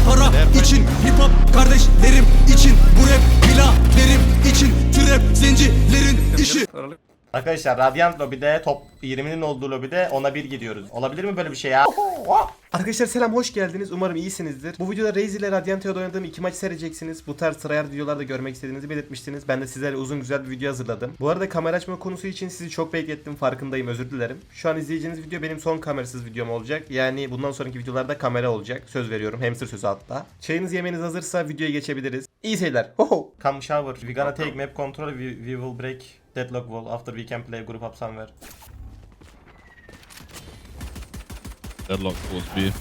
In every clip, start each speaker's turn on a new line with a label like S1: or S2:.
S1: para için, hip hop kardeşlerim için, bu rap biraderim için, trap zencilerin işi.
S2: Arkadaşlar Radiant lobide top 20'nin olduğu lobide ona bir gidiyoruz. Olabilir mi böyle bir şey ya?
S3: Arkadaşlar selam, hoş geldiniz. Umarım iyisinizdir. Bu videoda Raze ile Radiant'ta oynadığım 2 maç seyredeceksiniz. Bu tarz tryhard videolarda görmek istediğinizi belirtmiştiniz. Ben de sizlerle uzun güzel bir video hazırladım. Bu arada kamera açma konusu için sizi çok beklettim, farkındayım, özür dilerim. Şu an izleyeceğiniz video benim son kamerasız videom olacak. Yani bundan sonraki videolarda kamera olacak. Söz veriyorum, hamster sözü hatta. Çayınız yemeğiniz hazırsa videoya geçebiliriz. İyi seyirler. Hoho.
S2: Come shower. We gonna take map control. We will break deadlock wall after we can play group up somewhere.
S4: Deadlock was B.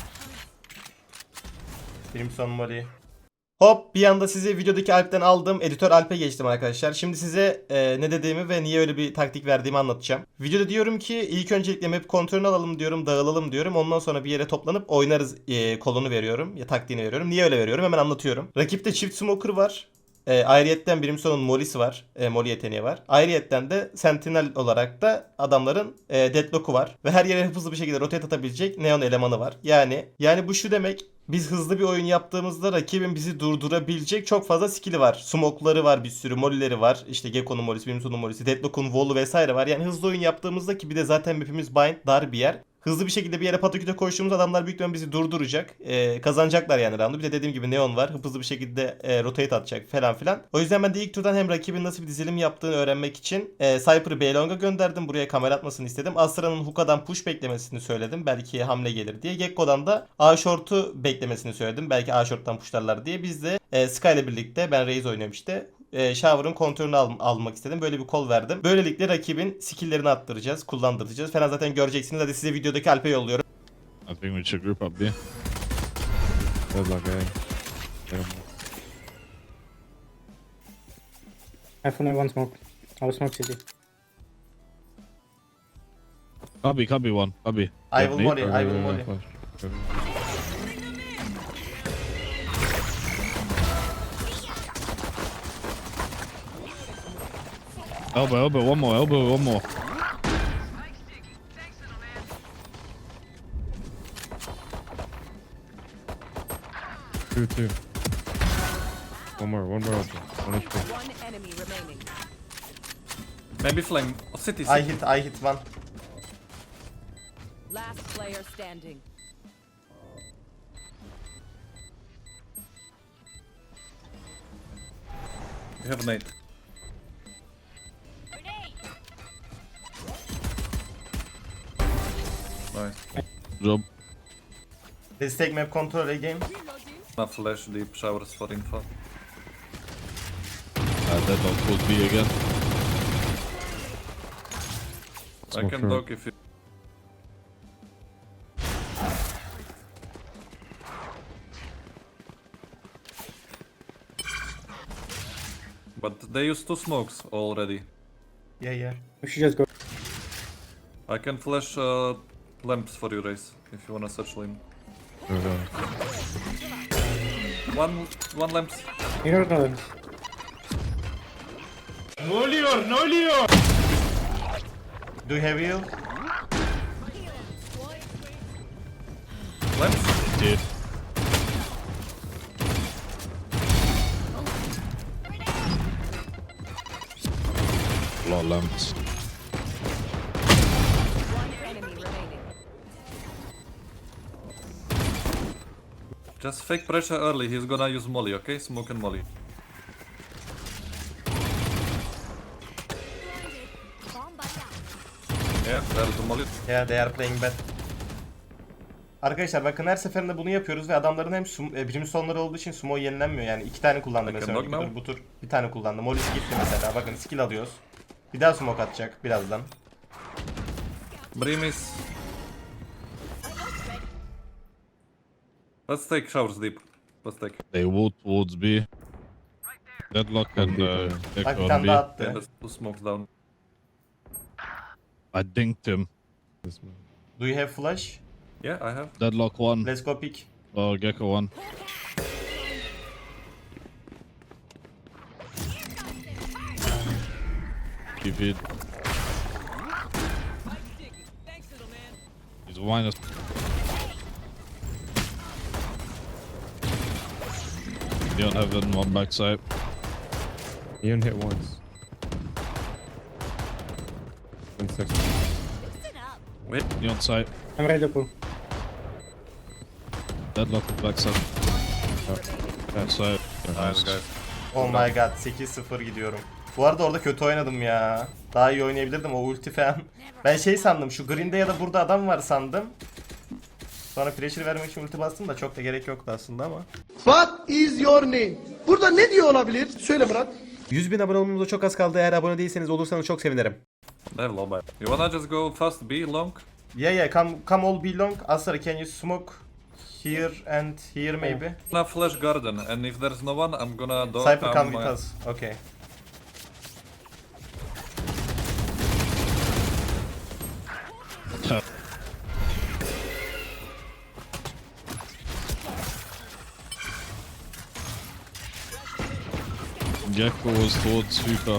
S2: Crimson Molly. Hop, bir anda sizi videodaki Alp'ten aldım. Editör Alp'e geçtim arkadaşlar. Şimdi size ne dediğimi ve niye öyle bir taktik verdiğimi anlatacağım. Videoda diyorum ki ilk öncelikle map kontrolünü alalım diyorum, dağılalım diyorum. Ondan sonra bir yere toplanıp oynarız kolunu veriyorum. Ya taktiğini veriyorum. Niye öyle veriyorum? Hemen anlatıyorum. Rakipte çift smoker var. Ayrıyetten Brimstone'un Molly'si var. Molly yeteneği var. Ayrıyetten de Sentinel olarak da adamların Deadlock'u var. Ve her yere hızlı bir şekilde rotate atabilecek Neon elemanı var. Yani bu şu demek. Biz hızlı bir oyun yaptığımızda rakibin bizi durdurabilecek çok fazla skill'i var. Smoke'ları var, bir sürü molly'leri var. İşte Gekko'nun mollisi, Brimstone'un mollisi, Deadlock'un wall'u vesaire var. Yani hızlı oyun yaptığımızda, ki bir de zaten map'imiz bind, dar bir yer. Hızlı bir şekilde bir yere pataküte koştuğumuz adamlar büyük ihtimalle bizi durduracak. Kazanacaklar yani round'u. Bir de dediğim gibi Neon var. Hızlı bir şekilde rotate atacak falan filan. O yüzden ben de ilk turdan hem rakibin nasıl bir dizilim yaptığını öğrenmek için Cypher'ı B-Long'a gönderdim. Buraya kamera atmasını istedim. Astra'nın Hookah'dan push beklemesini söyledim. Belki hamle gelir diye. Gekko'dan da A-Short'u beklemesini söyledim. Belki A-Short'tan pushlarlar diye. Biz de Sky ile birlikte, ben Raze oynuyorum işte, Shower'ın kontrolünü almak istedim. Böyle bir call verdim. Böylelikle rakibin skill'lerini attıracağız, kullandıracağız falan, zaten göreceksiniz. Hadi size videodaki Alp'e yolluyorum.
S4: I think we should group up B.
S5: Deadlock A.
S6: iPhone one smoke. I will smoke city.
S4: Cubby one. Cubby.
S2: I will molly, I will molly.
S4: Elbow, one more, one more.
S5: Two. One more open. One HP.
S7: One enemy remaining.
S1: Maybe flame. City.
S2: I hit one.
S7: Last player standing.
S1: We have a nade. Nice.
S4: Job.
S2: Let's take map control again.
S1: Not flash deep showers for info.
S4: Deadlock was B again.
S1: I can dock if you. But they used two smokes already.
S2: Yeah.
S6: We should just go.
S1: I can flash lamps for you, Race, if you wanna search lane. One lamps.
S6: You don't know them.
S2: Do you have heal?
S1: Lamps.
S4: Did. A lot of lamps.
S7: One enemy remaining.
S1: Just fake pressure early. He's gonna use molly, okay? Smoke and molly. Yeah, there's the molly.
S2: Yeah, they are playing bad. Arkadaşlar bakın, her seferinde bunu yapıyoruz ve adamların hem Brimstone'ları olduğu için sumo yenilenmiyor. Yani 2 tane kullandı mesela. Bu tur bir tane kullandı. Molly'si gitti mesela. Bakın skill alıyoruz. Bir daha smoke atacak birazdan.
S1: Brim is. Let's take showers deep. Let's take.
S4: They walked towards B. Deadlock and
S2: Bak
S4: Gekko
S2: bir
S4: on
S2: tane
S4: B.
S2: daha
S1: Yeah,
S2: attı.
S1: there's two smokes down.
S4: I dinked him.
S2: Do you have flash?
S1: Yeah, I have.
S4: Deadlock one.
S2: Let's go pick.
S4: Oh, Gekko one. TP'd. He's minus. Neon heaven, one backside.
S5: Neon hit once. 1 second.
S4: Neon side.
S6: I'm ready to pull.
S4: Deadlock with backside. Backside. Nice.
S2: Oh my god 8-0 gidiyorum. Bu arada orada kötü oynadım ya. Daha iyi oynayabilirdim o ulti falan. Ben şey sandım şu green'de ya da burada adam var sandım. Sonra pressure vermek için ulti bastım da çok da gerek yoktu aslında ama.
S8: What is your name? Burada ne diyor olabilir? Söyle Murat.
S3: 100.000 abone olmamıza çok az kaldı. Eğer abone değilseniz olursanız çok sevinirim.
S9: Level all bad. You wanna just go fast B long?
S2: Yeah, come all be long. Asar, can you smoke here and here maybe?
S9: I'm gonna flash garden, and if there's no one, I'm gonna do.
S2: Cypher come with us. Okay.
S4: Gecko was towards Hookah.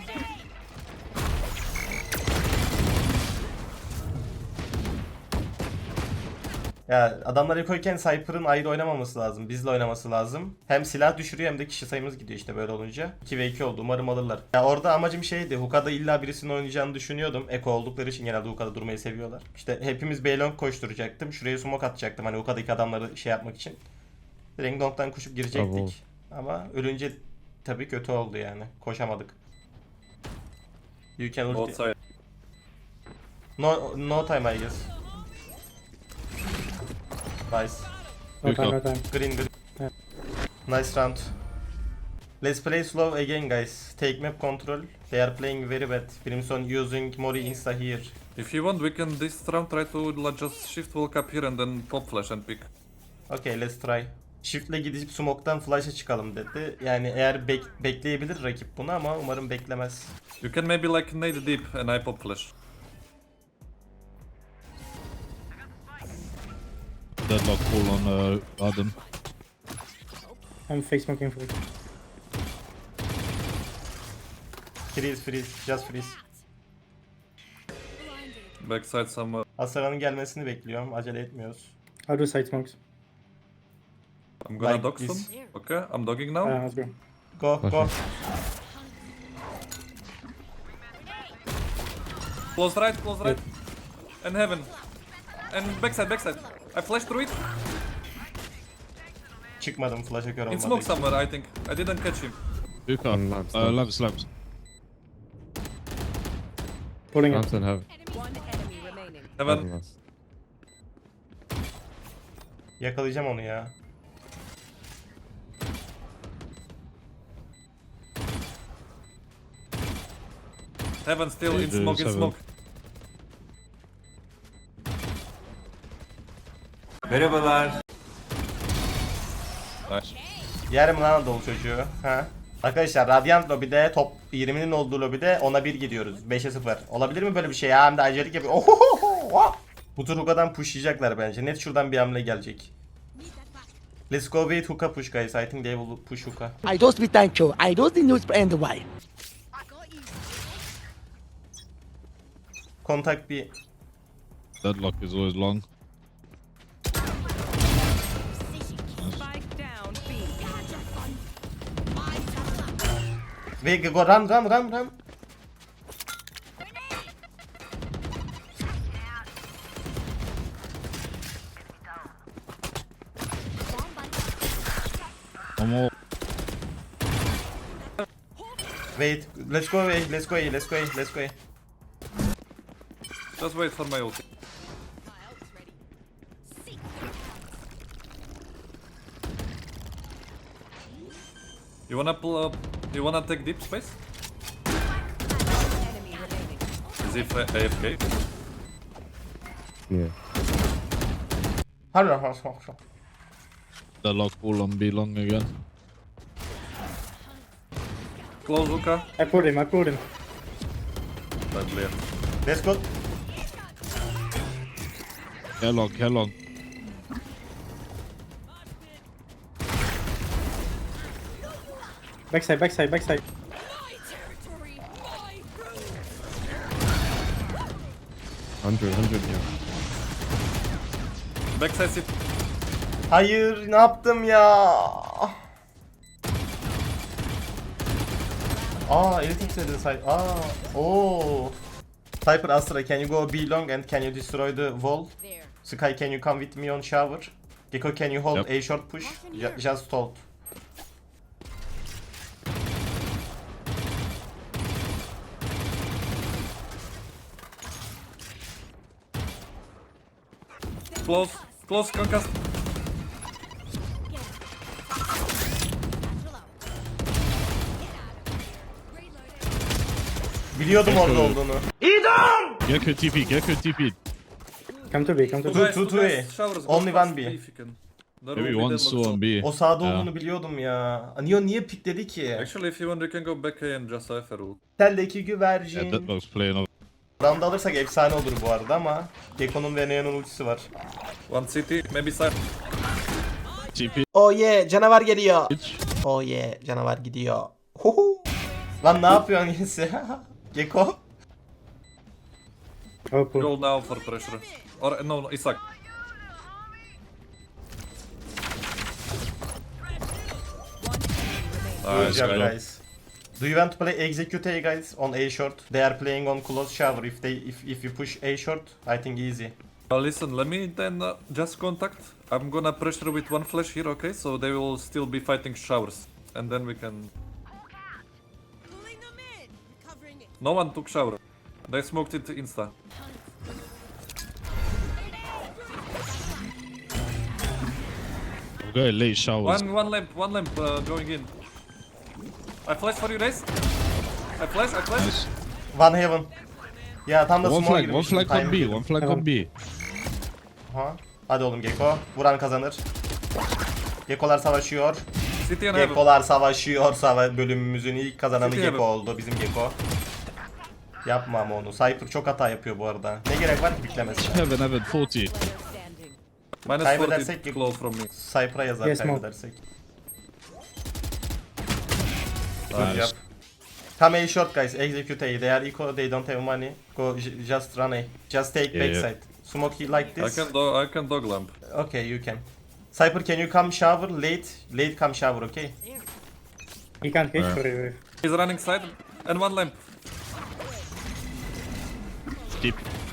S2: Ya adamlar ekoyken Cypher'ın ayrı oynamaması lazım. Bizle oynaması lazım. Hem silah düşürüyor hem de kişi sayımız gidiyor işte böyle olunca. 2v2 oldu. Umarım alırlar. Ya orada amacım şeydi. Hookah'da illa birisinin oynayacağını düşünüyordum. Eko oldukları için genelde Hookah'da durmayı seviyorlar. İşte hepimiz B-Long koşturacaktım. Şuraya smoke atacaktım. Hani Hookah'daki adamları şey yapmak için. Direkt long'dan koşup girecektik. Ama ölünce tabii kötü oldu yani. Koşamadık. You can
S9: Both
S2: ulti.
S9: side.
S2: No time I guess. Nice.
S6: No time, no time.
S2: Green.
S6: Yeah.
S2: Nice round. Let's play slow again guys. Take map control. They are playing very bad. Brimstone using Mori insta here.
S9: If you want, we can this round try to just shift walk up here and then pop flash and pick.
S2: Okay, let's try. Shift'le gidip smoke'tan flash'a çıkalım dedi. Yani eğer bekleyebilir rakip bunu ama umarım beklemez.
S9: You can maybe like nade deep and I pop flash.
S4: Deadlock pull on garden.
S6: I'm fake smoking for it.
S2: Freeze, just freeze.
S9: Backside somewhere.
S2: Asara'nın gelmesini bekliyorum. Acele etmiyoruz.
S6: I'll do side smokes.
S9: I'm gonna
S2: Like
S9: dog
S2: this.
S9: some. Okay, I'm dogging now.
S6: Let's go.
S2: Go.
S9: Close right. And heaven. And backside. I flashed through it.
S2: Çıkmadım flash'a kör
S9: In
S2: olmadı.
S9: smoke somewhere, I think. I didn't catch him.
S4: Hookah.
S5: On lamps.
S4: Lamps.
S6: Pulling it.
S5: Lamps and heaven.
S7: One enemy remaining.
S9: Heaven.
S5: Heaven last.
S2: Yakalayacağım onu ya.
S9: Heaven still in
S4: Seven.
S9: smoke. Nice.
S2: Yerim lan Anadolu çocuğu. Ha. Arkadaşlar Radiant lobide top 20'nin olduğu lobide ona 1 gidiyoruz. 5'e 0. Olabilir mi böyle bir şey ya? Hem de acelik yapıyor. Ohohoho. Bu tur Hookah'dan pushlayacaklar bence. Net şuradan bir hamle gelecek. Let's go wait Hookah push guys. I think they will push Hookah.
S8: I don't speak thank you. I don't need and why.
S2: Contact bir.
S4: Deadlock is always long.
S7: Spike down B.
S2: Ve go run.
S4: One more.
S2: Wait. Let's go away.
S9: Just wait for my ulti. You wanna pull up? You wanna take deep space?
S7: Enemy remaining.
S9: Is he AFK?
S5: Yeah.
S2: Hadi.
S4: Deadlock pull on B long again.
S9: Close hookah.
S6: I pulled him.
S9: Bad player.
S2: Let's go.
S4: Long.
S6: Backside.
S5: 100 yeah.
S9: Backside sit.
S2: Hayır ne yaptım ya? Anything to the side. Oh. Cypher, Astra, can you go B long and can you destroy the wall? Sky, can you come with me on shower? Gecko, can you hold
S4: Yep.
S2: A short push? Just hold.
S9: Close. Close, concussed.
S2: Biliyordum orada olduğunu.
S4: Gecko TP, Gecko TP.
S6: Come to B, come to B.
S2: Two, two,
S9: guys,
S2: two.
S9: showers, go
S2: Only
S9: fast
S2: one B.
S9: if you can. There
S4: Maybe
S9: will be
S4: one
S9: deadlock
S4: still on B.
S2: O sağda
S4: Yeah.
S2: olduğunu biliyordum ya. Neo niye pikledi ki?
S9: Actually, if you want, you can go back A and just Cypher ult.
S2: Teldeki
S4: Yeah,
S2: güvercin.
S4: Deadlock's playing over.
S2: Round alırsak efsane olur bu arada ama Gekko'nun ve Neo'nun ultisi var.
S9: One city, maybe Cypher.
S4: TP.
S2: Oh yeah, canavar geliyor.
S4: Bitch.
S2: Oh yeah, canavar gidiyor. Huhu. Lan ne yapıyorsun Yesi? Gekko?
S6: Oh, pull.
S9: Go now for pressure. Or no, Isak.
S2: Good
S4: Nice,
S2: job
S4: good job.
S2: guys. Do you want to play execute A guys on A short? They are playing on close shower. If you push A short, I think easy.
S9: Listen, let me then just contact. I'm gonna pressure with one flash here, okay? So they will still be fighting showers. And then we can... No one took shower. They smoked it insta.
S4: I'm going late showers.
S9: One lamp going in. I flash for you guys. I flash.
S4: Nice.
S2: One heaven. Ya tam da
S4: One
S2: small
S4: flag, one flag on B, one flag on B.
S2: Ha. Hadi oğlum Gekko. Vuran kazanır. Gekkolar savaşıyor.
S9: City and heaven.
S2: Gekkolar savaşıyor. Bölümümüzün ilk kazananı
S9: City
S2: Gekko
S9: heaven.
S2: oldu. Bizim Gekko. Yapma ama onu. Cypher çok hata yapıyor bu arada. Ne gerek var ki biklemesine?
S4: Heaven, heaven, 40.
S7: Standing.
S9: Minus
S2: Kaybedersek
S9: 40 close from me.
S2: Cypher'a yazar
S6: Yes, Mo.
S2: kaybedersek. Good
S4: Nice.
S2: job. Come A short guys. Execute A. They are eco. They don't have money. Go just run A. Just take
S4: Yeah,
S2: backside. Smoke like
S9: I
S2: this.
S9: can dog lamp.
S2: Okay, you can. Cypher, can you come shower late? Late come shower, okay?
S6: He can't hit
S4: Where?
S6: for you.
S9: He's running side and one lamp.
S4: Deep.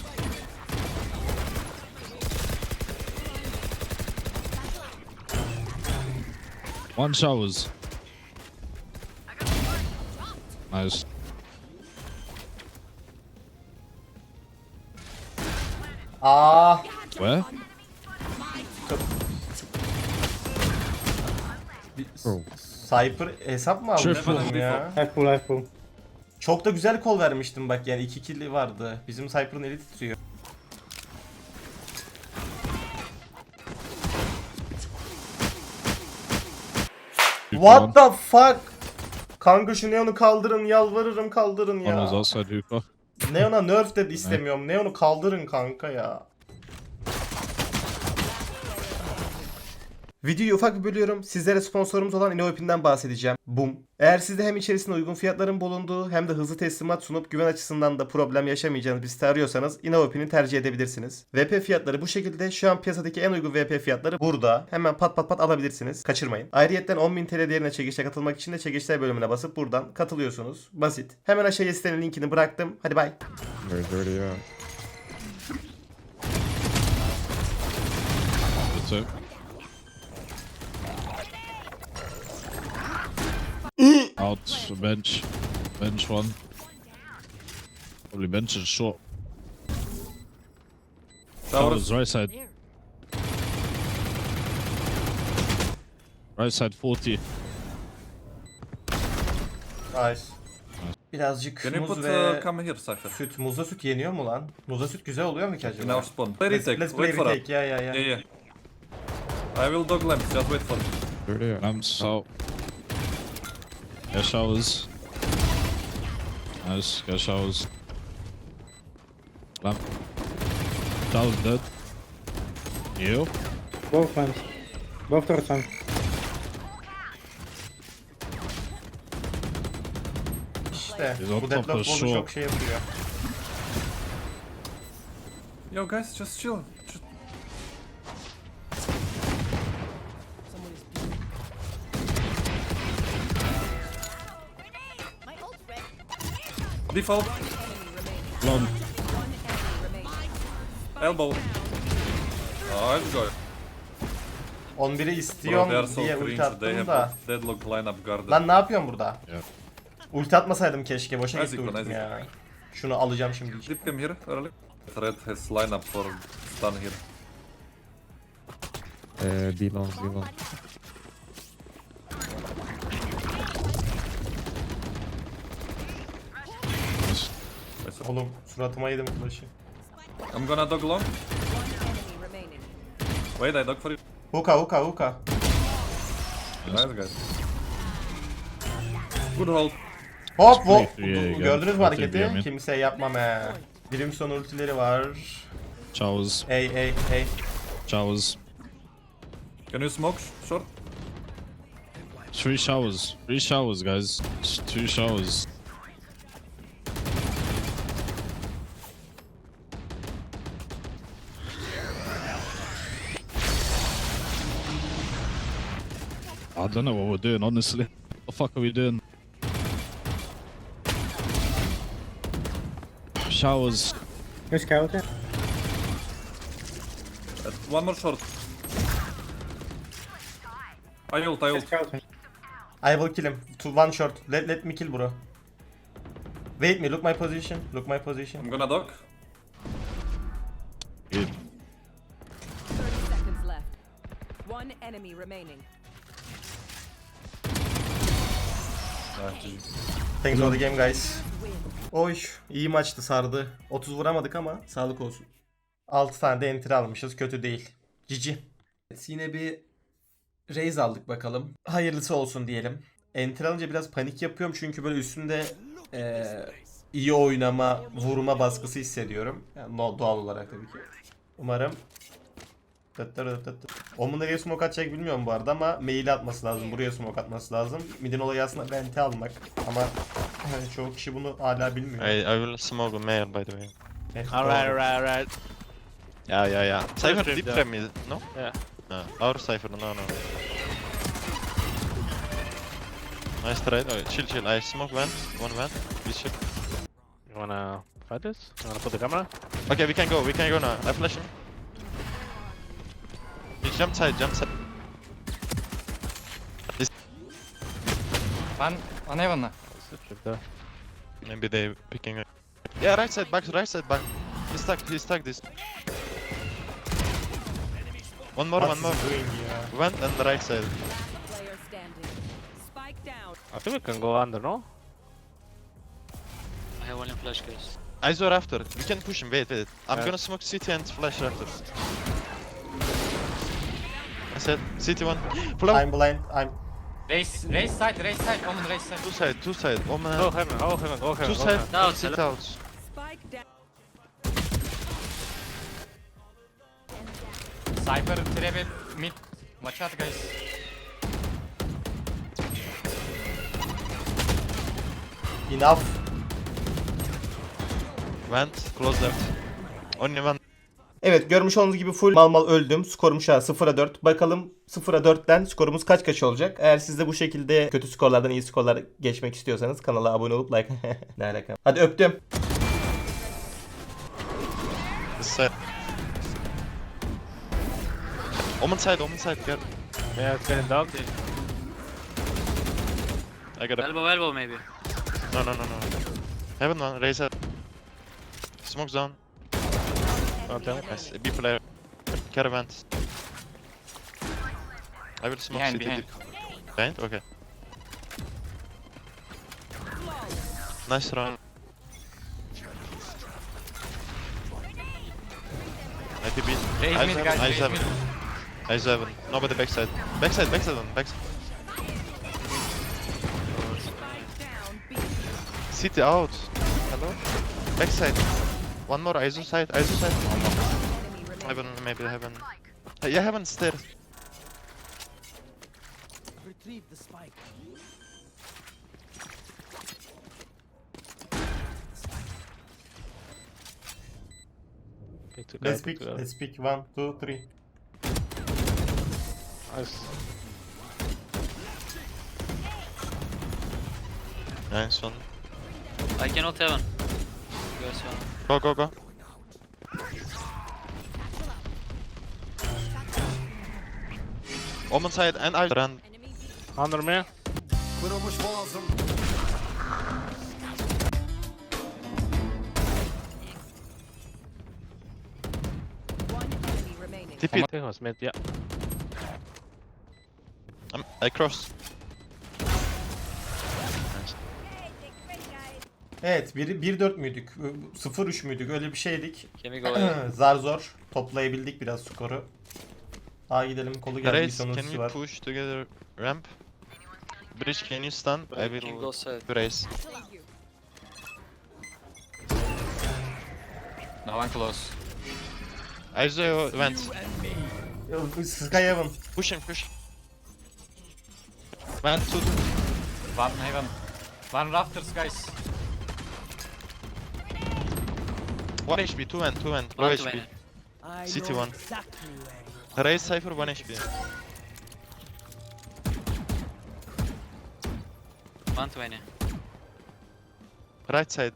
S4: One showers. Nice.
S2: Aa,
S4: Where?
S2: Cypher hesap mı aldı
S4: Triple.
S2: benim ya?
S6: Have pull, have pull.
S2: Çok da güzel kol vermiştim bak yani 2 kill vardı. Bizim Cypher'ın eli titriyor. What the fuck? Kanka şu Neon'u kaldırın yalvarırım kaldırın
S4: One was
S2: ya.
S4: outside hookah.
S2: Neon'a nerf de istemiyorum. Neon'u kaldırın kanka ya. Videoyu ufak bir bölüyorum. Sizlere sponsorumuz olan InnoVPN'den bahsedeceğim. Boom. Eğer sizde hem içerisinde uygun fiyatların bulunduğu hem de hızlı teslimat sunup güven açısından da problem yaşamayacağınız bir site arıyorsanız InnoVPN'i tercih edebilirsiniz. VP fiyatları bu şekilde. Şu an piyasadaki en uygun VP fiyatları burada. Hemen pat pat pat alabilirsiniz. Kaçırmayın. Ayrıyetten 10.000 TL değerine çekilişe katılmak için de çekilişler bölümüne basıp buradan katılıyorsunuz. Basit. Hemen aşağıya sitenin linkini bıraktım. Hadi bay.
S5: There's already
S4: That's it. Out, bench. Bench one. Probably bench is short.
S9: Showers.
S4: Showers, right side. Right side 40.
S2: Nice. Birazcık
S9: Can you
S2: muz
S9: put
S2: ve
S9: come here, Cypher?
S2: süt. Muzla süt yeniyor mu lan? Muzla süt güzel oluyor mu ki
S9: In
S2: acaba?
S9: our spawn. Play retake.
S2: Let's play
S9: Wait for us.
S2: retake. Ya.
S9: Yeah, yeah. I will dog lamp. Just wait for me.
S5: already
S4: Lamps out. Yeah, showers. Nice, got showers. Lamp. Showers dead. You?
S6: Both lamps. Both turrets on.
S2: İşte
S4: Biz on
S2: bu
S4: top
S2: deadlock
S4: of
S2: bolu
S4: short.
S2: çok şey yapıyor.
S9: Yo, guys, just chill. Just... Default.
S4: Long.
S7: One enemy remaining.
S9: Elbow. Oh, let's go.
S2: 11'i
S9: Bro, they are
S2: istiyorum
S9: so
S2: diye ulti
S9: cringe. They
S2: attım
S9: have
S2: da.
S9: a deadlock lineup guarded.
S2: Lan ne yapıyorsun burada?
S4: Yeah.
S2: Ulti atmasaydım keşke. Boşa
S9: Nice
S2: gitti
S9: icon,
S2: ultim
S9: nice
S2: ya. Şunu alacağım şimdi.
S9: Dip him here early. Red has lineup for stun here.
S5: B long, B long.
S4: Nice.
S2: Oğlum suratıma yedim flash'ı.
S9: I'm gonna dog long.
S7: Enemy remaining.
S9: Wait, I dog for you.
S2: Hookah.
S9: Nice guys. Good hold.
S2: Hop hop.
S4: Yeah,
S2: Gördünüz mü
S4: got
S2: hareketi?
S4: it, yeah,
S2: Kimse yapmam he. Brimstone ultileri var.
S4: Showers.
S2: Ey.
S4: Showers.
S9: Can you smoke short?
S4: 3 showers. 3 showers, guys. 2 showers. I don't know what we're doing, honestly. What the fuck are we doing? Showers.
S6: You scout it?
S9: One more short. I ult.
S6: Scout it.
S2: I will kill him. To one shot. Let me kill bro. Wait me. Look my position.
S9: I'm gonna dog.
S4: Good.
S7: 30 seconds left. One enemy remaining.
S2: Thanks for the game guys. Oy iyi maçtı, sardı. 30 vuramadık ama sağlık olsun. 6 tane de enter almışız, kötü değil. Cici. Evet, yine bir raise aldık bakalım. Hayırlısı olsun diyelim. Enter alınca biraz panik yapıyorum çünkü böyle üstünde iyi oynama, vurma baskısı hissediyorum. Yani doğal olarak tabii ki. Umarım. Omun nereye smoke atacak bilmiyorum bu arada ama mail atması lazım. Buraya smoke atması lazım. Midin olayı aslında vente almak. Ama çoğu kişi bunu hala bilmiyor.
S10: I will smoke a mail, by the way.
S2: Evet,
S10: Alright. Yeah. Cypher
S5: trip
S10: deep
S5: there.
S10: trap me, no?
S5: Yeah.
S10: No, our Cypher, no. Nice try. Oh, chill. I smoke vent, one vent. We should.
S5: You wanna fight this? You wanna put the camera?
S10: Okay, we can go now. I flash him. He jump side.
S5: One heaven. Trip there.
S10: Maybe they picking up. Yeah, right side back. He's stuck this. One more.
S2: What is he doing ya?
S10: Vent and the right side.
S7: Player standing. Spike down.
S5: I think we can go under, no?
S11: I have only flash, guys.
S10: Izor after. We can push him. Wait. I'm
S2: Yeah.
S10: gonna smoke CT and flash after. I said CT one. Pull out.
S2: I'm blind.
S11: Race side, Omen race side.
S10: Two side. Oh man.
S5: Go heaven.
S10: Two side.
S11: Down,
S10: Sit out.
S7: Spike down.
S11: Cypher, trap mid. Watch out, guys.
S2: Enough.
S10: Vent. Close left. Only one.
S2: Evet, görmüş olduğunuz gibi full mal öldüm. Skorum şu an 0'a 4. Bakalım 0'a 4'ten skorumuz kaç olacak? Eğer siz de bu şekilde kötü skorlardan iyi skorlar geçmek istiyorsanız kanala abone olup like. Ne alaka? Hadi öptüm.
S10: This side. Omen side. Get.
S5: Yeah, it's getting down.
S10: I got a.
S11: Elbow maybe.
S10: No. Heaven one. Raise up. Smoke down. Nice. B player. Caravan. I will smoke
S11: Behind,
S10: CT.
S11: behind.
S10: Behind? Okay. Nice run. ITB.
S11: Raise mid, guys, raise mid.
S10: Eyes heaven. Nobody backside. Backside one. Backside.
S7: Down. B.
S10: CT out. Hello? Backside. One more. ISO side.
S7: Enemy remaining.
S10: Heaven, maybe heaven. Yeah, heaven stairs.
S2: Let's pick. 1, 2, 3.
S5: Nice.
S10: Nice one.
S11: I cannot heaven.
S10: Go, go, go. Omen side and I run.
S5: Under me.
S1: Kırılmış boğazım.
S7: One enemy remaining.
S10: TP.
S5: I think it was mid, yeah.
S10: I cross.
S2: Evet 1-4 müydük? 0-3 müydük? Öyle bir şeydik.
S11: Can we go A?
S2: Zar zor toplayabildik biraz skoru. A gidelim, kolu geldi, bir
S10: Raise, can
S2: sonusu
S10: we
S2: var.
S10: push together ramp? Bridge, can you stun? I
S11: Can
S10: will
S11: go side.
S10: raise.
S11: No one close.
S10: Isaiah went.
S2: Sky Heaven.
S10: Push him, push. Went to
S11: One heaven. One rafters, guys.
S10: 1 HP, 2 and 2 and low
S11: One
S10: HP.
S11: twenty.
S10: City 1. Raise Cypher 1 HP.
S11: One twenty.
S10: Right side.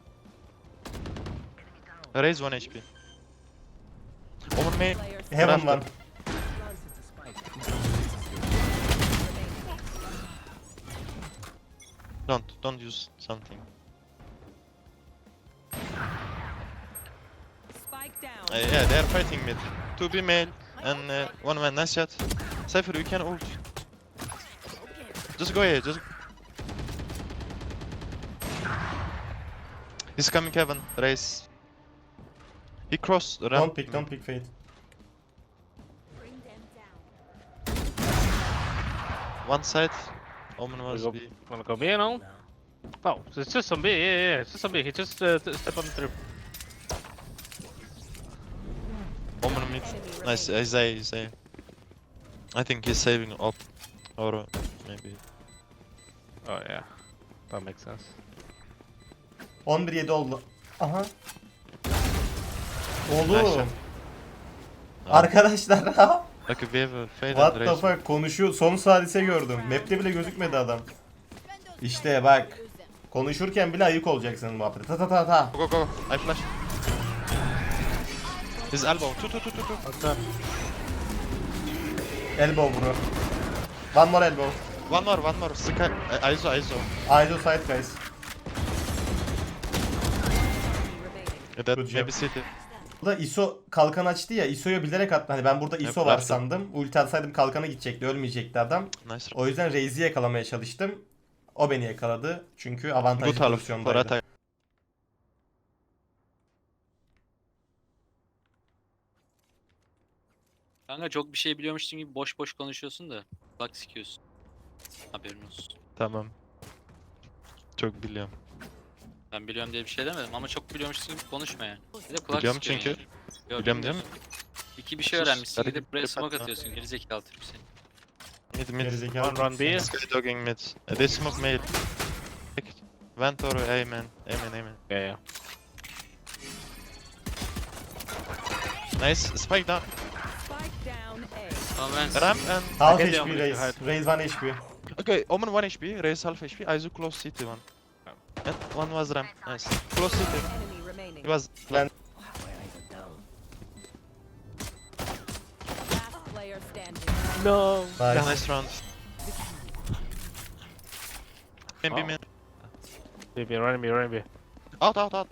S10: Raise 1 HP. Over me.
S7: Player
S2: Heaven var.
S10: Don't use something.
S7: spike down.
S10: Yeah, they are fighting mid. 2B male and 1 man. Nice shot. Cypher, you can ult. Just go here, just. He's coming heaven. Raise. He crossed the ramp.
S2: Don't pick Fate.
S10: One side. Omen
S5: We
S10: was
S5: go,
S10: B.
S5: wanna go B now? Oh, it's just some B, yeah, it's just some B. He just step on the trip.
S10: Omen mid. Nice, Isaiah. I think he's saving up. Or maybe.
S5: Oh yeah, that makes sense.
S2: 11-7 oldu. Aha.
S10: Nice
S2: Oğlum.
S10: shot.
S2: Arkadaşlar.
S10: Okay, we have a fade
S2: What
S10: and
S2: the
S10: raise.
S2: fuck, konuşuyor. Son salise gördüm. Map'te bile gözükmedi adam. İşte bak. Konuşurken bile ayık olacaksın muhabbete. Ta ta ta ta.
S10: Go, go, go. I flash. His elbow. Two.
S2: Elbow bro. One more elbow.
S10: One more. Sky. ISO.
S2: Eyes on side guys.
S10: That
S2: Good job.
S10: maybe city.
S2: Burada ISO kalkan açtı ya. ISO'ya bilerek attı. Hani ben burada ISO var
S10: yaptım.
S2: sandım. Ulti atsaydım kalkana gidecekti. Ölmeyecekti adam.
S10: Nice.
S2: O yüzden Raze'i yakalamaya çalıştım. O beni yakaladı. Çünkü avantajlı
S10: Good half for
S2: pozisyondaydı.
S10: attack.
S11: Kanka çok bir şey biliyormuşsun gibi boş boş konuşuyorsun da. Bak sikiyorsun. Haberin olsun.
S10: Tamam. Çok biliyorum.
S11: Ben biliyorum diye bir şey demedim ama çok biliyormuşsun gibi konuşma yani. Bir de kulak
S10: Biliyorum
S11: sıkıyorsun
S10: çünkü.
S11: yani. Yok,
S10: Biliyorum değil mi?
S11: bilmiyorsun. İki bir şey
S10: Sus,
S11: öğrenmişsin
S10: hadi
S11: gidip buraya
S10: git,
S11: smoke
S10: yapma.
S11: atıyorsun. Gerizekalı Türk seni.
S10: Mid.
S2: Gerizekalı.
S5: Run B.
S10: Sky dogging mid. They smoke mail. Vent or A man.
S5: Yeah, yeah.
S10: Nice. Spike down.
S7: Spike down A.
S11: Tamam ben
S10: Ramp and.
S2: Half
S5: Get
S2: HP
S5: down,
S2: Raze. Raze 1 HP.
S10: Okay, Omen 1 HP. Raise half HP. Iso close city 1. And one was ramp. Nice. Close city.
S7: Enemy remaining.
S10: He was.
S2: Ben
S7: Last player standing.
S5: No.
S2: nice.
S10: Nice round. Maybe man.
S5: Running B.
S10: Out.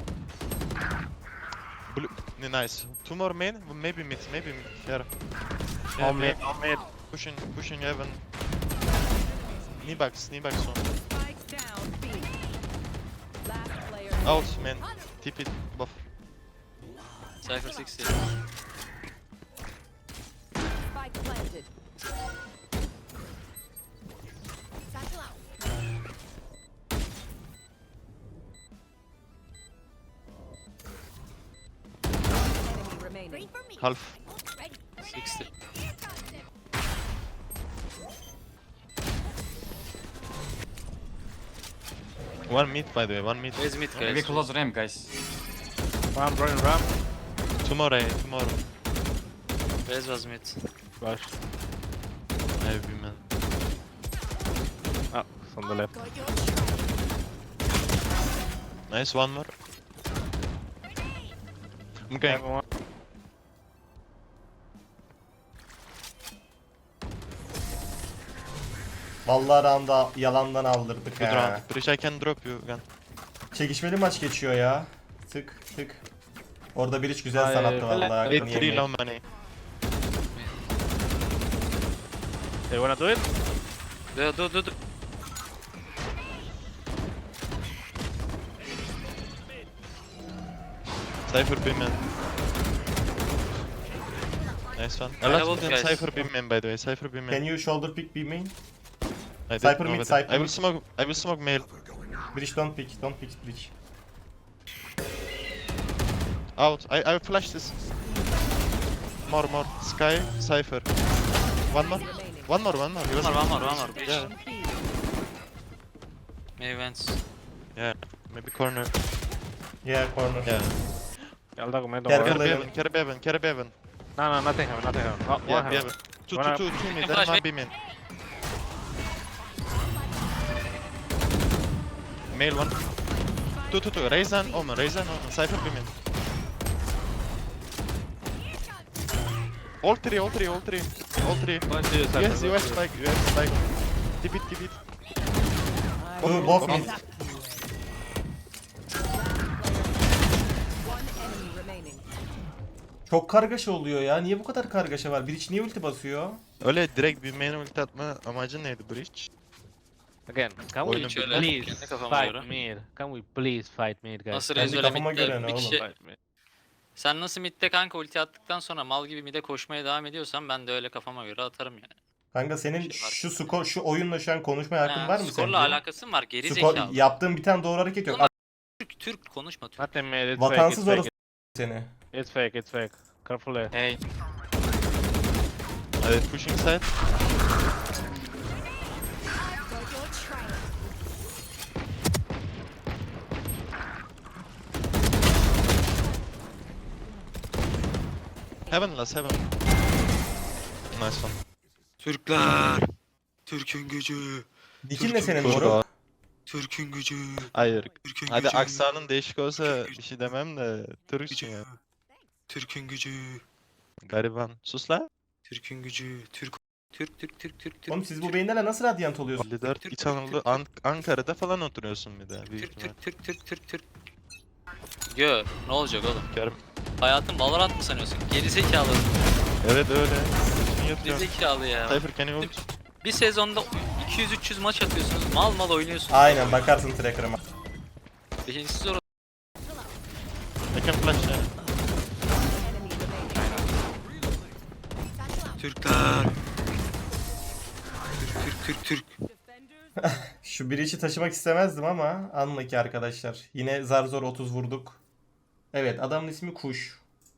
S10: Blue. Nice. Two more main. Maybe mid. Here.
S5: On mid.
S10: Pushing heaven. Knee box on.
S7: Spike down B. Last player.
S10: Out man. TP buff.
S11: Cypher 60.
S7: Spike planted. Enemy remaining.
S10: Half.
S11: 60.
S10: One mid by the way. One mid.
S11: Raise mid guys. Maybe close ramp guys.
S5: Ramp, running ramp.
S10: Tomorrow.
S11: Raise was mid.
S5: Flash.
S10: Maybe man.
S5: Oh, it's on the left.
S10: Nice, one more. I'm going.
S5: Everyone.
S2: Vallahi round'a yalandan aldırdık
S10: Good
S2: ha.
S10: round. Bridge, I can drop you gun.
S2: Çekişmeli maç geçiyor ya. Tık tık. Orada bir iş güzel
S5: Ay,
S2: sanattı vallahi.
S10: Wait,
S2: hakkını
S10: 3
S2: yemeyin.
S10: low money.
S5: They wanna do it?
S11: Do.
S10: Cypher B man. Nice one. A
S11: I
S10: lot
S11: have
S10: of them
S11: guys.
S10: Cypher B man, by the way. Cypher B man.
S2: Can you shoulder pick B main?
S10: I
S2: Cypher
S10: didn't know
S2: mid,
S10: that.
S2: Cypher
S10: I will
S2: mid.
S10: smoke. I will smoke male.
S2: Bridge don't pick bridge.
S10: Out. I will flash this. More. Sky, Cypher. One more.
S7: Remaining.
S10: One more. He was
S11: One more.
S10: Yeah.
S11: Mavens.
S10: Yeah. Maybe corner.
S2: Yeah, corner.
S10: Yeah.
S5: I'll talk mid.
S2: Careful.
S10: Carry Bevan.
S5: No, nothing happen. Oh, one
S10: Yeah,
S5: happen.
S10: Bevan. Two mid.
S11: Flash
S10: Then one
S11: me.
S10: B man. Male one. Two. Raise and Omen. Cypher B man. All three.
S5: One to you, Cypher.
S10: Yes, you have spike. Tip it.
S2: Both mid.
S7: One enemy remaining.
S2: Çok kargaşa oluyor ya. Niye bu kadar kargaşa var? Bridge niye ulti basıyor?
S10: Öyle direkt bir main ulti atma amacın neydi Bridge?
S5: Again, can we
S10: Oyunu
S11: şöyle,
S5: please
S11: kendi kafama
S5: fight
S11: göre.
S5: mid? Can we please fight mid, guys?
S11: Nasıl
S2: Kendi
S11: Rezol'e
S2: kafama
S11: midde
S2: göre ne
S11: bir
S2: oğlum?
S11: kişi...
S5: Fight mid.
S11: Sen nasıl midde kanka ulti attıktan sonra mal gibi midde koşmaya devam ediyorsan ben de öyle kafama göre atarım yani.
S2: Kanka senin
S11: Bir şey var.
S2: şu skor, şu oyunla şu an konuşmaya hakkın var mı sence?
S11: Skorla alakası mı var? Geri
S2: Skor,
S11: zekalı.
S2: yaptığın bir tane doğru hareket yok.
S11: Ulan Türk konuşma Türk.
S5: Nothing mid. It's
S2: Vatansız
S5: fake.
S2: orası seni.
S5: It's fake. Careful there.
S11: Hey.
S10: Pushing side. Heaven. Nice one.
S11: Türkler. Türk'ün gücü.
S2: Dikin ne senin
S10: Dur
S2: moruk?
S10: abi.
S11: Türk'ün gücü.
S10: Hayır.
S11: Türk'ün
S10: Hadi
S11: gücü.
S10: aksanın değişik olsa bir şey demem de Türkçün ya.
S11: Türk'ün gücü.
S10: Gariban. Sus la.
S11: Türk'ün gücü. Türk.
S2: Oğlum siz bu beyinlerle nasıl radyant oluyorsunuz?
S10: Lider
S11: Türk,
S10: İç Anadolu Ankara'da falan oturuyorsun bir de büyük ihtimal.
S11: Türk. Gör. Ne olacak oğlum?
S10: Görüm.
S11: Hayatın Valorant mı sanıyorsun? Gerizekalı.
S10: Evet öyle. Bütün yatıyorum.
S11: Gerizekalı ya.
S10: Cypher can you ult?
S11: Bir sezonda 200-300 maç atıyorsunuz. Mal oynuyorsunuz.
S2: Aynen bakarsın tracker'ıma.
S11: İkincisi zor.
S10: I can flash ya.
S7: Enemy remaining.
S11: Türkler. Türk.
S2: Şu bridge'i taşımak istemezdim ama anla ki arkadaşlar. Yine zar zor 30 vurduk. Evet, adamın ismi Kuş.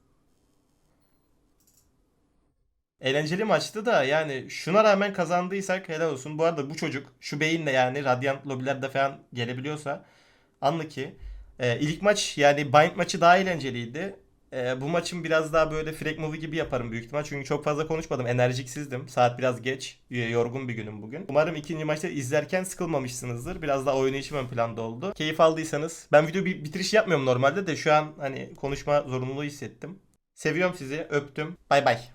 S2: Eğlenceli maçtı da yani şuna rağmen kazandıysak helal olsun. Bu arada bu çocuk şu beyinle yani Radiant lobilerde falan gelebiliyorsa anla ki. İlk maç yani Bind maçı daha eğlenceliydi. Bu maçın biraz daha böyle frag movie gibi yaparım büyük ihtimal. Çünkü çok fazla konuşmadım. Enerjiksizdim. Saat biraz geç. Yorgun bir günüm bugün. Umarım ikinci maçta izlerken sıkılmamışsınızdır. Biraz daha oynayışım ön planda oldu. Keyif aldıysanız. Ben video bitiriş yapmıyorum normalde de şu an hani konuşma zorunluluğu hissettim. Seviyorum sizi. Öptüm. Bay bay.